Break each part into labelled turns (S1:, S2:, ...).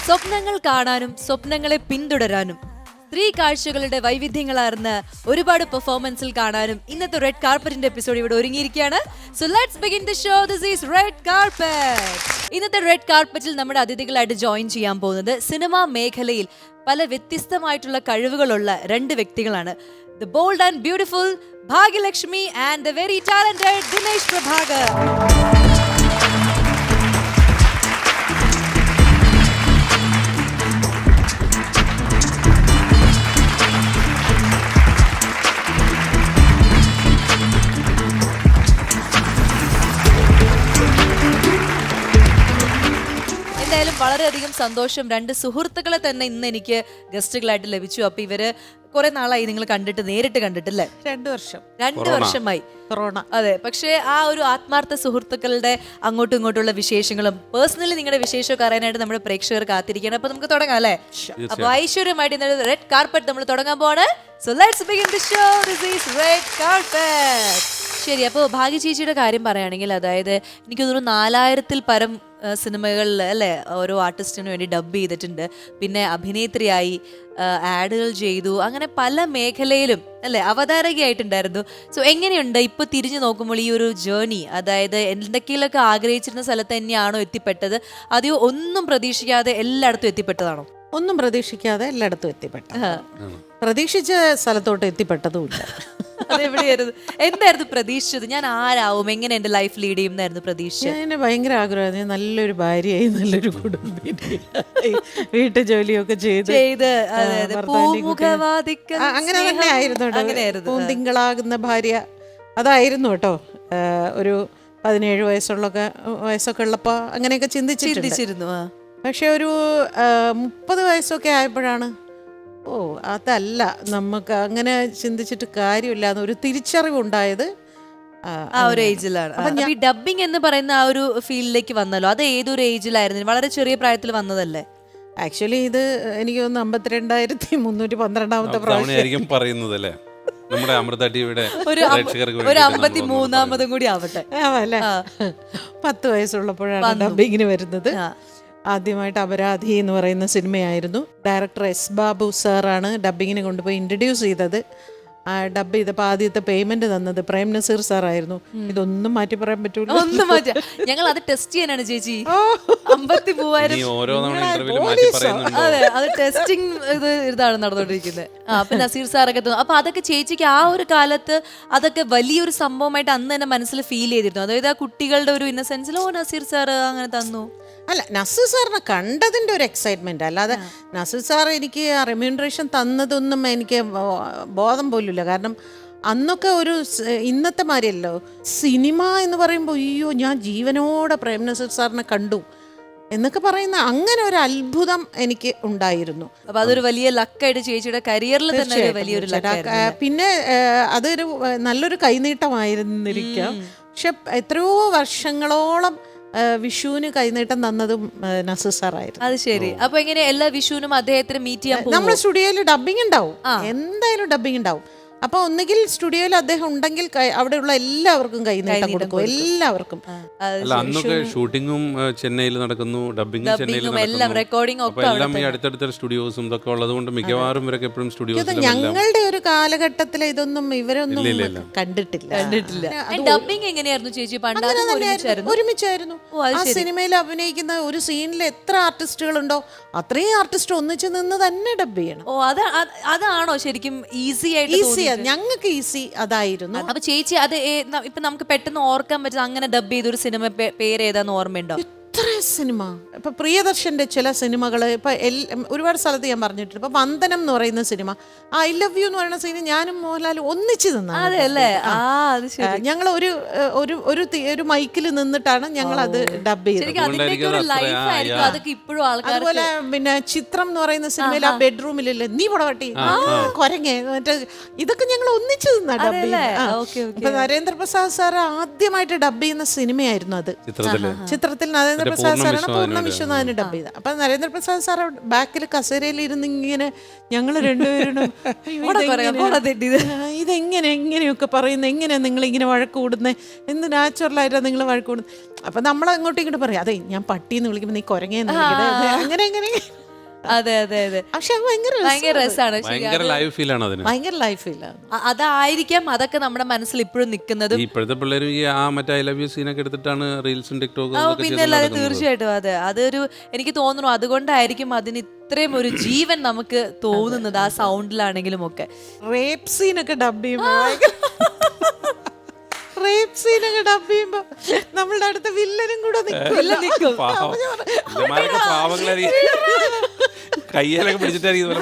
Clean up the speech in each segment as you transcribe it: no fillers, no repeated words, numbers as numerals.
S1: സ്വപ്നങ്ങൾ കാണാനും സ്വപ്നങ്ങളെ പിന്തുടരാനും സ്ത്രീ കാഴ്ചകളുടെ വൈവിധ്യങ്ങളാർന്ന ഒരുപാട് പെർഫോമൻസിൽ കാണാനും ഇന്നത്തെ റെഡ് കാർപ്പറ്റിന്റെ എപ്പിസോഡ് ഇവിടെ ഒരുങ്ങിയിരിക്കുകയാണ്. So let's begin the show. This is red carpet. ഇന്നത്തെ റെഡ് കാർപ്പറ്റിൽ നമ്മുടെ അതിഥികളായിട്ട് ജോയിൻ ചെയ്യാൻ പോകുന്നത് സിനിമാ മേഖലയിൽ പല വ്യത്യസ്തമായിട്ടുള്ള കഴിവുകളുള്ള രണ്ട് വ്യക്തികളാണ്. The bold and beautiful Bhagyalakshmi and the very talented Dinesh Prabhakar. എന്തായാലും വളരെയധികം സന്തോഷം. രണ്ട് സുഹൃത്തുക്കളെ തന്നെ ഇന്ന് എനിക്ക് ഗസ്റ്റുകളായിട്ട് ലഭിച്ചു. അപ്പൊ ഇവര് കുറെ നാളായി നിങ്ങൾ കണ്ടിട്ട്, നേരിട്ട് കണ്ടിട്ടില്ലേ? 2 വർഷമായി. കൊറോണ. അതെ. പക്ഷേ ആ ഒരു ആത്മാർത്ഥ സുഹൃത്തുക്കളുടെ അങ്ങോട്ടും ഇങ്ങോട്ടുള്ള വിശേഷങ്ങളും പേഴ്സണലി നിങ്ങളുടെ വിശേഷമൊക്കെ അറിയാനായിട്ട് നമ്മുടെ പ്രേക്ഷകർ കാത്തിരിക്കുകയാണ്. അപ്പൊ നമുക്ക് തുടങ്ങാം അല്ലേ? അപ്പൊ ഐശ്വര്യമായിട്ട് ഇന്നലെ റെഡ് കാർപ്പറ്റ് നമ്മൾ തുടങ്ങാൻ പോവാണ്. So let's begin the show. This is red carpet. ശരി, അപ്പോൾ ഭാഗ്യ ചേച്ചിയുടെ കാര്യം പറയുകയാണെങ്കിൽ, അതായത് എനിക്ക് തോന്നുന്നു 4000-ൽ പരം സിനിമകളിൽ അല്ലേ ഓരോ ആർട്ടിസ്റ്റിന് വേണ്ടി ഡബ് ചെയ്തിട്ടുണ്ട്. പിന്നെ അഭിനേത്രിയായി, ആഡുകൾ ചെയ്തു, അങ്ങനെ പല മേഖലയിലും അല്ലേ അവതാരകയായിട്ടുണ്ടായിരുന്നു. സോ എങ്ങനെയുണ്ട് ഇപ്പൊ തിരിഞ്ഞു നോക്കുമ്പോൾ ഈ ഒരു ജേർണി? അതായത് എന്തൊക്കെയൊക്കെ ആഗ്രഹിച്ചിരുന്ന സ്ഥലത്ത് തന്നെയാണോ എത്തിപ്പെട്ടത്, അതെയോ ഒന്നും പ്രതീക്ഷിക്കാതെ എല്ലായിടത്തും എത്തിപ്പെട്ടതാണോ?
S2: ഒന്നും പ്രതീക്ഷിക്കാതെ എല്ലായിടത്തും എത്തിപ്പെട്ട, പ്രതീക്ഷിച്ച സ്ഥലത്തോട്ട് എത്തിപ്പെട്ടതുമില്ല.
S1: അതെവിടെയായിരുന്നു? എന്തായിരുന്നു പ്രതീക്ഷിച്ചത്? ഞാൻ ആരാവും, എങ്ങനെ എന്റെ ലൈഫ് ലീഡ് ചെയ്യുന്നായിരുന്നു പ്രതീക്ഷിച്ചത്?
S2: എന്നെ ഭയങ്കര ആഗ്രഹമായിരുന്നു നല്ലൊരു ഭാര്യയായി, നല്ലൊരു കുടുംബിനിയായി, വീട്ടു ജോലിയൊക്കെ ചെയ്ത് അങ്ങനെ തന്നെ ആയിരുന്നു. പൂന്തിങ്കളാകുന്ന ഭാര്യ അതായിരുന്നു കേട്ടോ. ഒരു 17 വയസ്സൊക്കെ ഉള്ളപ്പോ അങ്ങനെയൊക്കെ ചിന്തിച്ചിരുന്നു. പക്ഷെ ഒരു 30 വയസ്സൊക്കെ ആയപ്പോഴാണ് അതല്ല, നമുക്ക് അങ്ങനെ ചിന്തിച്ചിട്ട് കാര്യമില്ല എന്നൊരു തിരിച്ചറിവുണ്ടായത്
S1: ആ ഒരു ഏജിലാണ്. അപ്പൊ ഈ ഡബിങ് എന്ന് പറയുന്ന ആ ഒരു ഫീൽഡിലേക്ക് വന്നല്ലോ, അത് ഏതൊരു ഏജിലായിരുന്നു? വളരെ ചെറിയ പ്രായത്തിൽ വന്നതല്ലേ?
S2: ആക്ച്വലി ഇത് എനിക്ക് തോന്നുന്നു 52,312
S3: പ്രാവശ്യം പറയുന്നതല്ലേ. നമ്മുടെ അമൃത ടിവിയുടെ
S1: ഒരു 53-ാമതും കൂടി ആവട്ടെ.
S2: 10 വയസ്സുള്ളപ്പോഴാണ് ഡബിങ്ങിന് വരുന്നത്. ആദ്യമായിട്ട് അപരാധി എന്ന് പറയുന്ന സിനിമയായിരുന്നു. ഡയറക്ടർ എസ് ബാബു സാറാണ് ഡബിങ്ങിന് കൊണ്ടുപോയി ഇൻട്രൊഡ്യൂസ് ചെയ്തത്. ഡബ് ചെയ്തപ്പോൾ ആദ്യത്തെ പേയ്മെന്റ് തന്നത് പ്രേം നസീർ സാറായിരുന്നു. ഇതൊന്നും മാറ്റി പറയാൻ പറ്റൂല.
S1: ഒന്നും മാറ്റാ. ഞങ്ങൾ അത് ടെസ്റ്റ് ചെയ്യാനാണ് ചേച്ചി. 53,000. അതെ, അത് ടെസ്റ്റിംഗ് ഇതാണ് നടന്നുകൊണ്ടിരിക്കുന്നത്. അപ്പൊ നസീർ സാറൊക്കെ തോന്നുന്നു. അപ്പൊ അതൊക്കെ ചേച്ചിക്ക് ആ ഒരു കാലത്ത് അതൊക്കെ വലിയൊരു സംഭവമായിട്ട് അന്ന് തന്നെ മനസ്സിൽ ഫീൽ ചെയ്തിരുന്നു? അതായത് ആ കുട്ടികളുടെ ഒരു ഇന്നസെൻസിൽ നസീർ സാർ അങ്ങനെ തന്നു.
S2: അല്ല, നസീർ സാറിനെ കണ്ടതിൻ്റെ ഒരു എക്സൈറ്റ്മെന്റ്, അല്ലാതെ നസീർ സാർ എനിക്ക് റെമ്യൂണറേഷൻ തന്നതൊന്നും എനിക്ക് ബോധം പോലുമില്ല. കാരണം അന്നൊക്കെ ഒരു ഇന്നത്തെ മാതിരിയല്ലോ സിനിമ എന്ന് പറയുമ്പോൾ, അയ്യോ ഞാൻ ജീവനോടെ പ്രേം നസീർ സാറിനെ കണ്ടു എന്നൊക്കെ പറയുന്ന അങ്ങനെ ഒരു അത്ഭുതം എനിക്ക് ഉണ്ടായിരുന്നു.
S1: അപ്പൊ അതൊരു വലിയ ലക്കായിട്ട് ചേച്ചിയുടെ കരിയറിൽ തന്നെ വലിയൊരു ലക്ക്.
S2: പിന്നെ അതൊരു നല്ലൊരു കൈനീട്ടമായിരുന്നിരിക്കാം. പക്ഷെ എത്രയോ വർഷങ്ങളോളം വിഷുവിന് കൈനീട്ടം തന്നതും നസീർ സാറായിരുന്നു.
S1: അത് ശരി. അപ്പൊ എങ്ങനെ എല്ലാ വിഷുവിനും അദ്ദേഹത്തിന് മീറ്റ് ചെയ്യാൻ
S2: നമ്മുടെ സ്റ്റുഡിയോയിൽ ഡബിങ് ഉണ്ടാവും, എന്തായാലും ഡബിങ് ഉണ്ടാവും. അപ്പൊ ഒന്നുകിൽ സ്റ്റുഡിയോയിൽ അദ്ദേഹം ഉണ്ടെങ്കിൽ അവിടെയുള്ള എല്ലാവർക്കും കൈനീട്ടം കൊടുക്കും, എല്ലാവർക്കും.
S3: അന്നൊക്കെ ഷൂട്ടിങ്ങും ചെന്നൈയിൽ നടക്കുന്നു, ഡബിങ്ങും ചെന്നൈയിൽ നടക്കുന്നു. ഈ അടുത്തടുത്ത സ്റ്റുഡിയോസും ഇതൊക്കെ ഉള്ളത് കൊണ്ട് മിക്കവാറും ഇവരൊക്കെ എപ്പോഴും സ്റ്റുഡിയോസ്.
S2: ഞങ്ങളുടെ ഒരു കാലഘട്ടത്തിൽ ഇതൊന്നും ഇവരൊന്നും കണ്ടിട്ടില്ല.
S1: ഡബിങ് എങ്ങനെയായിരുന്നു ചേച്ചി?
S2: ഒരുമിച്ചായിരുന്നു. ആ സിനിമയിൽ അഭിനയിക്കുന്ന ഒരു സീനിൽ എത്ര ആർട്ടിസ്റ്റുകളുണ്ടോ അത്രയും ആർട്ടിസ്റ്റ് ഒന്നിച്ച് നിന്ന് തന്നെ ഡബ് ചെയ്യണം.
S1: അതാണോ ശരിക്കും ഈസി ആയിട്ട്?
S2: ഞങ്ങൾക്ക് ഈസി അതായിരുന്നു.
S1: അപ്പൊ ചേച്ചി അത് ഇപ്പൊ നമുക്ക് പെട്ടെന്ന് ഓർക്കാൻ പറ്റുന്ന അങ്ങനെ ഡബ് ചെയ്തൊരു സിനിമ പേര് ഏതാന്ന് ഓർമ്മയുണ്ടോ?
S2: എത്ര സിനിമ, ഇപ്പൊ പ്രിയദർശന്റെ ചില സിനിമകള് ഇപ്പൊ ഒരുപാട് സ്ഥലത്ത് ഞാൻ പറഞ്ഞിട്ടുണ്ട്. ഇപ്പൊ വന്ദനം എന്ന് പറയുന്ന സിനിമ, ഐ ലവ് യു എന്ന് പറയുന്ന സിനിമ ഞാനും മോഹൻലാലും ഒന്നിച്ച് നിന്നാണ്. ഞങ്ങൾ ഒരു മൈക്കിൽ നിന്നിട്ടാണ് ഞങ്ങൾ അത് ഡബ് ചെയ്തത്. അതുപോലെ പിന്നെ ചിത്രം എന്ന് പറയുന്ന സിനിമയിൽ ആ ബെഡ്റൂമിലല്ലേ നീ പടവട്ടി കൊരങ്ങേ മറ്റേ ഇതൊക്കെ ഞങ്ങൾ ഒന്നിച്ച് നിന്നാ ഡബ് ചെയ്യുന്നത്. ഇപ്പൊ നരേന്ദ്രപ്രസാദ് സാർ ആദ്യമായിട്ട് ഡബ് ചെയ്യുന്ന സിനിമയായിരുന്നു അത്. ചിത്രത്തിൽ നരേന്ദ്രപ്രസാദ് നരേന്ദ്രപ്രസാദ് സാറാണ് പൂർണ്ണ വിശ്വനാഥിന് ഡബ് ചെയ്തത്. അപ്പൊ നരേന്ദ്രപ്രസാദ് സാർ ബാക്കിൽ കസേരയിൽ ഇരുന്ന് ഇങ്ങനെ ഞങ്ങൾ രണ്ടുപേരും ഇതെങ്ങനെ എങ്ങനെയൊക്കെ പറയുന്നത്, എങ്ങനെ നിങ്ങൾ ഇങ്ങനെ വഴക്ക് കൂടുന്നത്, എന്ത് നാച്ചുറലായിട്ടാണ് നിങ്ങൾ വഴക്ക് കൂടുന്നത്. അപ്പൊ നമ്മൾ അങ്ങോട്ടും ഇങ്ങോട്ട് പറയാം, അതെ ഞാൻ പട്ടിന്ന് വിളിക്കുമ്പോൾ നീ കുരങ്ങേന്ന് വിളിക്കുന്നത്, അങ്ങനെ അങ്ങനെ.
S1: അതെ അതെ അതെ.
S2: പക്ഷെ ഭയങ്കര
S1: രസമാണ്,
S3: ഭയങ്കര ലൈവ് ഫീൽ ആണ് അതിന്.
S2: ഭയങ്കര ലൈഫ് ഫീലാണ്.
S1: അതായിരിക്കാം അതൊക്കെ നമ്മുടെ മനസ്സിൽ ഇപ്പോഴും നിൽക്കുന്നത്.
S3: ഇപ്പോഴത്തെ പിള്ളേർ ഈ ആ മറ്റേ ഐ ലവ് യു സീനൊക്കെ എടുത്തിട്ടാണ് റീൽസും ടിക്ടോക്കും.
S1: പിന്നെ അല്ലാതെ തീർച്ചയായിട്ടും അതെ, അതൊരു എനിക്ക് തോന്നുന്നു അതുകൊണ്ടായിരിക്കും അതിന് ഇത്രയും ഒരു ജീവൻ നമുക്ക് തോന്നുന്നത് ആ സൗണ്ടിലാണെങ്കിലും ഒക്കെ.
S2: റേപ്പ് സീനൊക്കെ ഡബ് ചെയ്യുമ്പോൾ റേപ്പ് സീനൊക്കെ ഡബ് ചെയ്യുമ്പോ നമ്മളുടെ അടുത്ത വില്ലനും കൂടെ നിൽക്കും.
S3: കയ്യിലൊക്കെ പിടിച്ചിട്ടായിരിക്കും.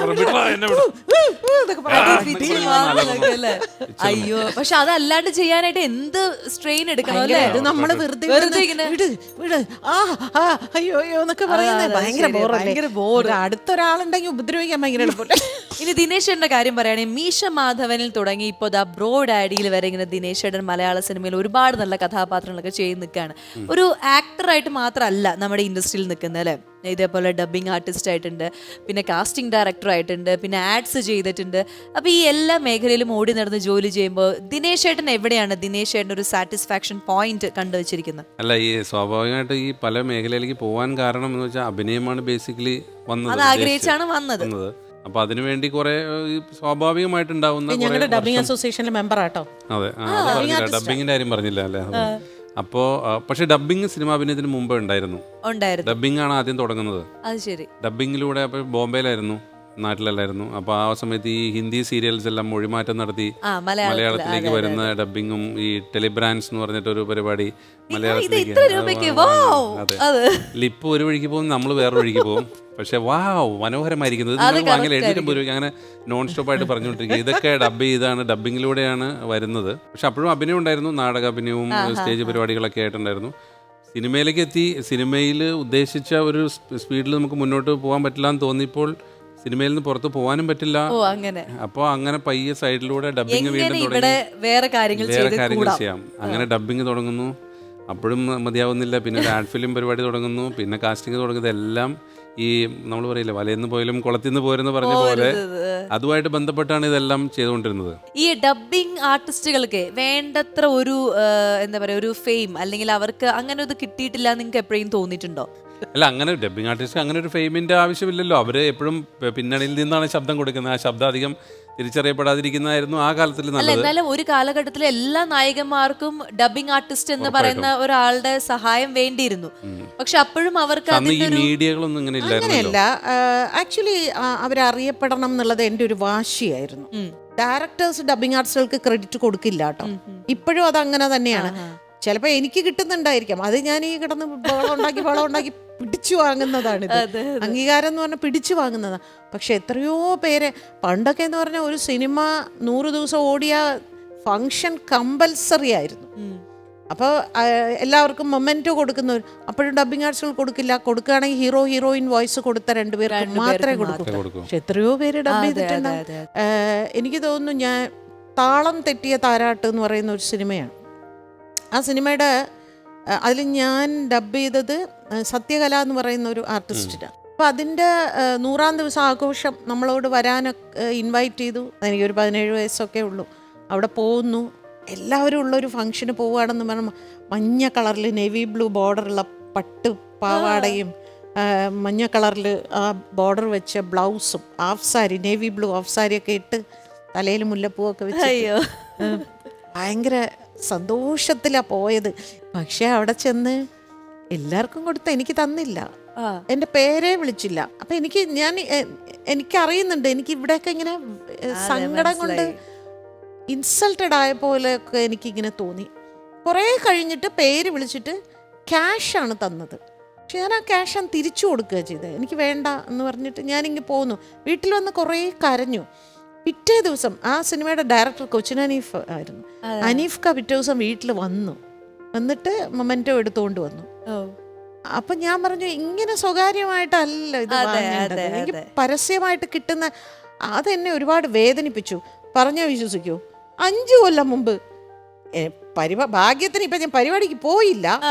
S1: അയ്യോ, പക്ഷെ അതല്ലാണ്ട് ചെയ്യാനായിട്ട് എന്ത് സ്ട്രെയിൻ എടുക്കണം അല്ലേ?
S2: നമ്മള് വെറുതെ ഇങ്ങനെ അയ്യോ അയ്യോ എന്നൊക്കെ പറയുന്നത് ഭയങ്കര ബോർ. അടുത്തൊരാളുണ്ടെങ്കിൽ ഉപദ്രവിക്കാൻ ഭയങ്കര എളുപ്പമില്ല.
S1: ഇനി ദിനേശേട്ടന്റെ കാര്യം പറയുകയാണെങ്കിൽ മീശ മാധവനിൽ തുടങ്ങി ഇപ്പോൾ ദാ ബ്രോ ഡാഡിയിൽ വരെ ഇങ്ങനെ ദിനേശേട്ടൻ മലയാള സിനിമയിൽ ഒരുപാട് നല്ല കഥാപാത്രങ്ങളൊക്കെ ചെയ്ത് നിൽക്കുകയാണ്. ഒരു ആക്ടറായിട്ട് മാത്രമല്ല നമ്മുടെ ഇൻഡസ്ട്രിയിൽ നിൽക്കുന്നത് അല്ലേ? ഇതേപോലെ ഡബ്ബിംഗ് ആർട്ടിസ്റ്റ് ആയിട്ടുണ്ട്, പിന്നെ കാസ്റ്റിംഗ് ഡയറക്ടർ ആയിട്ടുണ്ട്, പിന്നെ ആഡ്സ് ചെയ്തിട്ടുണ്ട്. അപ്പോൾ ഈ എല്ലാ മേഖലയിലും ഓടി നടന്ന് ജോലി ചെയ്യുമ്പോൾ ദിനേശേട്ടൻ എവിടെയാണ് ദിനേശേട്ടൻ ഒരു സാറ്റിസ്ഫാക്ഷൻ പോയിന്റ് കണ്ടുവച്ചിരിക്കുന്നത്?
S3: അല്ല, ഈ സ്വാഭാവികമായിട്ട് ഈ പല മേഖലയിലേക്ക് പോകാൻ കാരണം എന്ന് വെച്ചാൽ അഭിനയമാണ് ബേസിക്കലി വന്നത്,
S1: അത് ആഗ്രഹിച്ചാണ് വന്നത്.
S3: അപ്പൊ അതിനുവേണ്ടി കുറെ സ്വാഭാവികമായിട്ടുണ്ടാവുന്ന
S2: ഞങ്ങളുടെ ഡബ്ബിംഗ് അസോസിയേഷനിലെ മെമ്പർ ആട്ടോ.
S3: അതെ, ഡബ്ബിങ്ങിന്റെ കാര്യം പറഞ്ഞില്ല അല്ലേ? അപ്പോ പക്ഷെ ഡബ്ബിങ് സിനിമാഭിനയത്തിന് മുമ്പേ ഉണ്ടായിരുന്നു. ഡബ്ബിംഗ് ആണ് ആദ്യം തുടങ്ങുന്നത്. ഡബ്ബിങ്ങിലൂടെ അപ്പൊ ബോംബെയിലായിരുന്നു, നാട്ടിലല്ലായിരുന്നു. അപ്പൊ ആ സമയത്ത് ഈ ഹിന്ദി സീരിയൽസ് എല്ലാം മൊഴിമാറ്റം നടത്തി മലയാളത്തിലേക്ക് വരുന്ന ഡബ്ബിങ്ങും ഈ ടെലിബ്രാൻഡ്സ് എന്ന് പറഞ്ഞിട്ടൊരു പരിപാടി മലയാളത്തിലേക്ക്. അതെ, ലിപ്പ് ഒരു വഴിക്ക് പോകും, നമ്മൾ വേറൊരു വഴിക്ക് പോകും. പക്ഷെ മനോഹരമായിരിക്കുന്നത് വാങ്ങില്ല 750 രൂപയ്ക്ക് അങ്ങനെ നോൺ സ്റ്റോപ്പ് ആയിട്ട് പറഞ്ഞുകൊണ്ടിരിക്കുക. ഇതൊക്കെ ഡബ് ചെയ്താണ്, ഡബ്ബിങ്ങിലൂടെയാണ് വരുന്നത്. പക്ഷെ അപ്പോഴും അഭിനയം ഉണ്ടായിരുന്നു, നാടക അഭിനയവും സ്റ്റേജ് പരിപാടികളൊക്കെ ആയിട്ടുണ്ടായിരുന്നു. സിനിമയിലേക്ക് എത്തി, സിനിമയിൽ ഉദ്ദേശിച്ച ഒരു സ്പീഡിൽ നമുക്ക് മുന്നോട്ട് പോകാൻ പറ്റില്ല എന്ന് തോന്നിയപ്പോൾ സിനിമയിൽ നിന്ന് പുറത്ത് പോകാനും പറ്റില്ല. അപ്പോൾ അങ്ങനെ പയ്യെ സൈഡിലൂടെ ഡബ്ബിങ് വീണ്ടും തുടങ്ങി, വേറെ കാര്യങ്ങൾ ചെയ്യാം. അങ്ങനെ ഡബ്ബിങ് തുടങ്ങുന്നു. അപ്പോഴും മതിയാവുന്നില്ല. പിന്നെ ഒരു ആഡ് ഫിലിം പരിപാടി തുടങ്ങുന്നു, പിന്നെ കാസ്റ്റിംഗ് തുടങ്ങുന്നത് എല്ലാം ഈ നമ്മൾ പറയില്ല വലയെന്ന് പോയാലും കുളത്തിന്ന് പോരെന്ന് പറഞ്ഞ പോലെ അതുമായിട്ട് ബന്ധപ്പെട്ടാണ് ഇതെല്ലാം ചെയ്തുകൊണ്ടിരുന്നത്.
S1: ഈ ഡബ്ബിംഗ് ആർട്ടിസ്റ്റുകൾക്ക് വേണ്ടത്ര ഒരു എന്താ പറയാ ഒരു ഫെയിം അല്ലെങ്കിൽ അവർക്ക് അങ്ങനെ ഇത് കിട്ടിയിട്ടില്ല നിങ്ങൾക്ക് എപ്പോഴും തോന്നിയിട്ടുണ്ടോ?
S3: അല്ല, അങ്ങനെ ഡബ്ബിംഗ് ആർട്ടിസ്റ്റ് അങ്ങനെ ഒരു ഫെയിമിന്റെ ആവശ്യമില്ലല്ലോ. അവര് എപ്പോഴും പിന്നണിയിൽ നിന്നാണ് ശബ്ദം കൊടുക്കുന്നത്. ആ ശബ്ദം അധികം തിരിച്ചറിയപ്പെടാതിരിക്കുന്നതായിരുന്നു ആ കാലത്തിൽ നല്ലത്.
S1: എന്നാലും ഒരു കാലഘട്ടത്തിൽ എല്ലാ നായകന്മാർക്കും ഡബ്ബിംഗ് ആർട്ടിസ്റ്റ് എന്ന് പറയുന്ന ഒരാളുടെ സഹായം വേണ്ടിയിരുന്നു. പക്ഷെ അപ്പോഴും അവർക്ക്
S3: മീഡിയകളൊന്നും ഇങ്ങനെ
S2: അങ്ങനെയല്ല. ആക്ച്വലി അവരറിയപ്പെടണം എന്നുള്ളത് എൻ്റെ ഒരു വാശിയായിരുന്നു. ഡയറക്ടേഴ്സ് ഡബ്ബിംഗ് ആർട്ടിസ്റ്റുകൾക്ക് ക്രെഡിറ്റ് കൊടുക്കില്ല കേട്ടോ. ഇപ്പോഴും അത് അങ്ങനെ തന്നെയാണ്. ചിലപ്പോൾ എനിക്ക് കിട്ടുന്നുണ്ടായിരിക്കാം, അത് ഞാൻ ഈ കിടന്ന് ബഹളം ഉണ്ടാക്കി പിടിച്ചു വാങ്ങുന്നതാണിത്. അംഗീകാരം എന്ന് പറഞ്ഞാൽ പിടിച്ചു വാങ്ങുന്നതാണ്. പക്ഷെ എത്രയോ പേര് പണ്ടൊക്കെ എന്ന് പറഞ്ഞാൽ ഒരു സിനിമ 100 ദിവസം ഓടിയ ഫങ്ഷൻ കമ്പൽസറി ആയിരുന്നു. അപ്പോൾ എല്ലാവർക്കും മൊമെൻറ്റോ കൊടുക്കുന്നവർ, അപ്പോഴും ഡബ്ബിംഗ് ആർട്സുകൾ കൊടുക്കില്ല. കൊടുക്കുകയാണെങ്കിൽ ഹീറോ ഹീറോയിൻ വോയിസ് കൊടുത്ത 2 പേർക്ക് മാത്രമേ കൊടുക്കൂ. പക്ഷെ എത്രയോ പേര് ഡബ് ചെയ്തിട്ടുണ്ട്. എനിക്ക് തോന്നുന്നു ഞാൻ താളം തെറ്റിയ താരാട്ട് എന്ന് പറയുന്ന ഒരു സിനിമയാണ്. ആ സിനിമയുടെ അതിൽ ഞാൻ ഡബ് ചെയ്തത് സത്യകല എന്ന് പറയുന്ന ഒരു ആർട്ടിസ്റ്റിനാണ്. അപ്പോൾ അതിൻ്റെ 100-ാം ദിവസം ആഘോഷം നമ്മളോട് വരാനൊക്കെ ഇൻവൈറ്റ് ചെയ്തു. എനിക്കൊരു 17 വയസ്സൊക്കെ ഉള്ളൂ. അവിടെ പോകുന്നു, എല്ലാവരും ഉള്ളൊരു ഫംഗ്ഷന് പോവുകയാണെന്ന് പറഞ്ഞാൽ മഞ്ഞ കളറിൽ നേവി ബ്ലൂ ബോർഡറുള്ള പട്ട് പാവാടയും മഞ്ഞ കളറിൽ ആ ബോർഡർ വെച്ച ബ്ലൗസും half sari navy blue half സാരിയൊക്കെ ഇട്ട് തലയിൽ മുല്ലപ്പൂവൊക്കെ വെച്ച് ഭയങ്കര സന്തോഷത്തിലാണ് പോയത്. പക്ഷെ അവിടെ ചെന്ന് എല്ലാവർക്കും കൊടുത്ത എനിക്ക് തന്നില്ല, എൻ്റെ പേരെ വിളിച്ചില്ല. അപ്പം എനിക്കറിയുന്നുണ്ട്, എനിക്ക് ഇവിടെയൊക്കെ ഇങ്ങനെ സങ്കടം കൊണ്ട് ഇൻസൾട്ടഡ് ആയ പോലെയൊക്കെ എനിക്കിങ്ങനെ തോന്നി. കുറേ കഴിഞ്ഞിട്ട് പേര് വിളിച്ചിട്ട് ക്യാഷാണ് തന്നത്. പക്ഷെ ഞാൻ ആ ക്യാഷ് തിരിച്ചു കൊടുക്കുക ചെയ്തത്. എനിക്ക് വേണ്ട എന്ന് പറഞ്ഞിട്ട് ഞാനിങ്ങനെ പോന്നു. വീട്ടിൽ വന്ന് കുറേ കരഞ്ഞു. പിറ്റേ ദിവസം ആ സിനിമയുടെ ഡയറക്ടർ കൊച്ചിൻ അനീഫ് ആയിരുന്നു. അനീഫ്ക പിറ്റേ ദിവസം വീട്ടിൽ വന്നിട്ട് മൊമെന്റോ എടുത്തുകൊണ്ട് വന്നു. അപ്പൊ ഞാൻ പറഞ്ഞു, ഇങ്ങനെ സ്വകാര്യമായിട്ടല്ല ഇത് വാങ്ങേണ്ടത്, എനിക്ക് പരസ്യമായിട്ട് കിട്ടുന്ന അതെന്നെ ഒരുപാട് വേദനിപ്പിച്ചു. പറഞ്ഞാൽ വിശ്വസിക്കൂ, 5 കൊല്ലം മുമ്പ് ഭാഗ്യത്തിന് ഇപ്പൊ ഞാൻ പരിപാടിക്ക് പോയില്ല,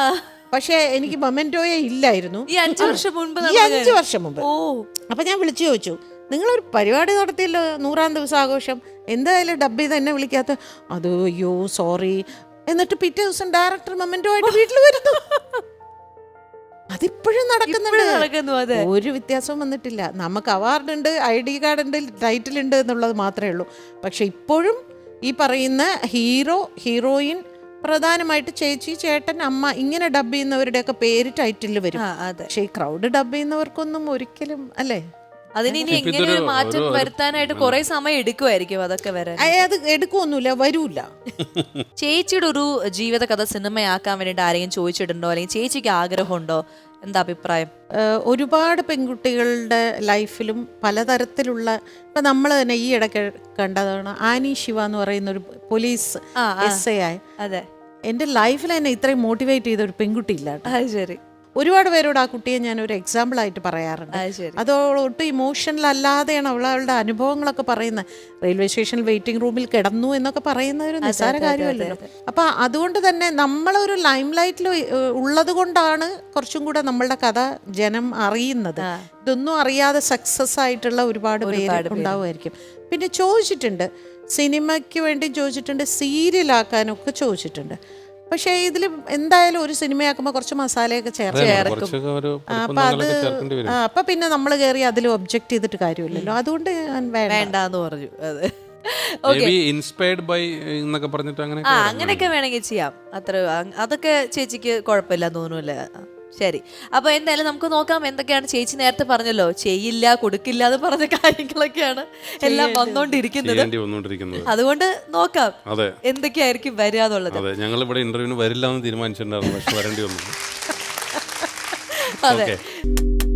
S2: പക്ഷേ എനിക്ക് മൊമെന്റോയെ ഇല്ലായിരുന്നു
S1: ഈ 5 വർഷം മുൻപ്
S2: ഈ 5 വർഷം മുമ്പ്.
S1: ഓ
S2: അപ്പൊ ഞാൻ വിളിച്ചു ചോദിച്ചു, നിങ്ങളൊരു പരിപാടി നടത്തിയല്ലോ 100ാം ദിവസം ആഘോഷം, എന്തായാലും ഡബ്ബി തന്നെ വിളിക്കാത്ത? അത് അയ്യോ സോറി. എന്നിട്ട് പിറ്റേ ദിവസം ഡയറക്ടർ മൊമെന്റോ ആയിട്ട് വീട്ടിൽ വരുന്നു. അതിപ്പോഴും
S1: നടക്കുന്നു.
S2: നടക്കുന്നുണ്ട്. ഒരു വ്യത്യാസവും വന്നിട്ടില്ല. നമുക്ക് അവാർഡ് ഉണ്ട്, ID കാർഡ് ഉണ്ട്, ടൈറ്റിൽ ഉണ്ട് എന്നുള്ളത് മാത്രമേ ഉള്ളൂ. പക്ഷെ ഇപ്പോഴും ഈ പറയുന്ന ഹീറോ, ഹീറോയിൻ, പ്രധാനമായിട്ട് ചേച്ചി, ചേട്ടൻ, അമ്മ, ഇങ്ങനെ ഡബ് ചെയ്യുന്നവരുടെയൊക്കെ പേര് ടൈറ്റിൽ വരും. പക്ഷെ ഈ ക്രൗഡ് ഡബ് ചെയ്യുന്നവർക്കൊന്നും ഒരിക്കലും അല്ലേ,
S1: അതിന് ഇനി എങ്ങനെ ഒരു മാറ്റം വരുത്താനായിട്ട് കുറെ സമയം എടുക്കുമായിരിക്കും അതൊക്കെ വരാൻ.
S2: അത് എടുക്കുമൊന്നുമില്ല, വരൂല.
S1: ചേച്ചിയുടെ ഒരു ജീവിത കഥ സിനിമയാക്കാൻ വേണ്ടിയിട്ട് ആരെങ്കിലും ചോദിച്ചിട്ടുണ്ടോ, അല്ലെങ്കിൽ ചേച്ചിക്ക് ആഗ്രഹമുണ്ടോ? എന്താ അഭിപ്രായം?
S2: ഒരുപാട് പെൺകുട്ടികളുടെ ലൈഫിലും പലതരത്തിലുള്ള, ഇപ്പം നമ്മൾ തന്നെ ഈ ഇടയ്ക്ക് കണ്ടതാണ് ആനി ശിവ എന്ന് പറയുന്ന ഒരു പോലീസ് SI.
S1: അതെ,
S2: എൻ്റെ ലൈഫിൽ തന്നെ ഇത്രയും മോട്ടിവേറ്റ് ചെയ്ത ഒരു പെൺകുട്ടി ഇല്ല.
S1: ശരി.
S2: ഒരുപാട് പേരോട് ആ കുട്ടിയെ ഞാൻ ഒരു എക്സാമ്പിൾ ആയിട്ട് പറയാറുണ്ട്. അത് ഒട്ടും ഇമോഷണൽ അല്ലാതെയാണ് അവളുടെ അനുഭവങ്ങളൊക്കെ പറയുന്നത്. റെയിൽവേ സ്റ്റേഷനിൽ വെയിറ്റിംഗ് റൂമിൽ കിടന്നു എന്നൊക്കെ പറയുന്ന ഒരു നിസ്സാര കാര്യമല്ലല്ലോ. അപ്പൊ അതുകൊണ്ട് തന്നെ നമ്മളൊരു ലൈം ലൈറ്റിൽ ഉള്ളത് കൊണ്ടാണ് കുറച്ചും കൂടെ നമ്മളുടെ കഥ ജനം അറിയുന്നത്. ഇതൊന്നും അറിയാതെ സക്സസ് ആയിട്ടുള്ള ഒരുപാട് പേര് ഉണ്ടാവുമായിരിക്കും. പിന്നെ ചോദിച്ചിട്ടുണ്ട്, സിനിമയ്ക്ക് വേണ്ടി ചോദിച്ചിട്ടുണ്ട്, സീരിയലാക്കാനൊക്കെ ചോദിച്ചിട്ടുണ്ട്. പക്ഷേ ഇതിൽ എന്തായാലും ഒരു സിനിമയാക്കുമ്പോൾ കുറച്ച് മസാലയൊക്കെ ചേർക്കും. അപ്പൊ പിന്നെ നമ്മൾ കയറി അതിൽ ഒബ്ജക്ട് ചെയ്തിട്ട് കാര്യമില്ലല്ലോ. അതുകൊണ്ട്
S1: വേണ്ടെന്ന് പറഞ്ഞു.
S3: ഇൻസ്പയർഡ് ബൈ എന്നൊക്കെ പറഞ്ഞിട്ട്
S1: അങ്ങനെയൊക്കെ വേണമെങ്കിൽ ചെയ്യാം. അതൊക്കെ ചേച്ചിക്ക് കുഴപ്പമില്ല തോന്നുന്നില്ല. ശരി, അപ്പൊ എന്തായാലും നമുക്ക് നോക്കാം എന്തൊക്കെയാണ്. ചേച്ചി നേരത്തെ പറഞ്ഞല്ലോ ചെയ്യില്ല, കൊടുക്കില്ല എന്ന് പറഞ്ഞ കാര്യങ്ങളൊക്കെയാണ് എല്ലാം വന്നോണ്ടിരിക്കുന്നത്. അതുകൊണ്ട് നോക്കാം എന്തൊക്കെയായിരിക്കും വരിക എന്നുള്ളത്.
S3: ഞങ്ങൾ ഇവിടെ ഇന്റർവ്യൂവിന് വരില്ല എന്ന് തീരുമാനിച്ചിട്ടുണ്ടായിരുന്നു, പക്ഷെ വരേണ്ടി വന്നു.
S1: അതെ.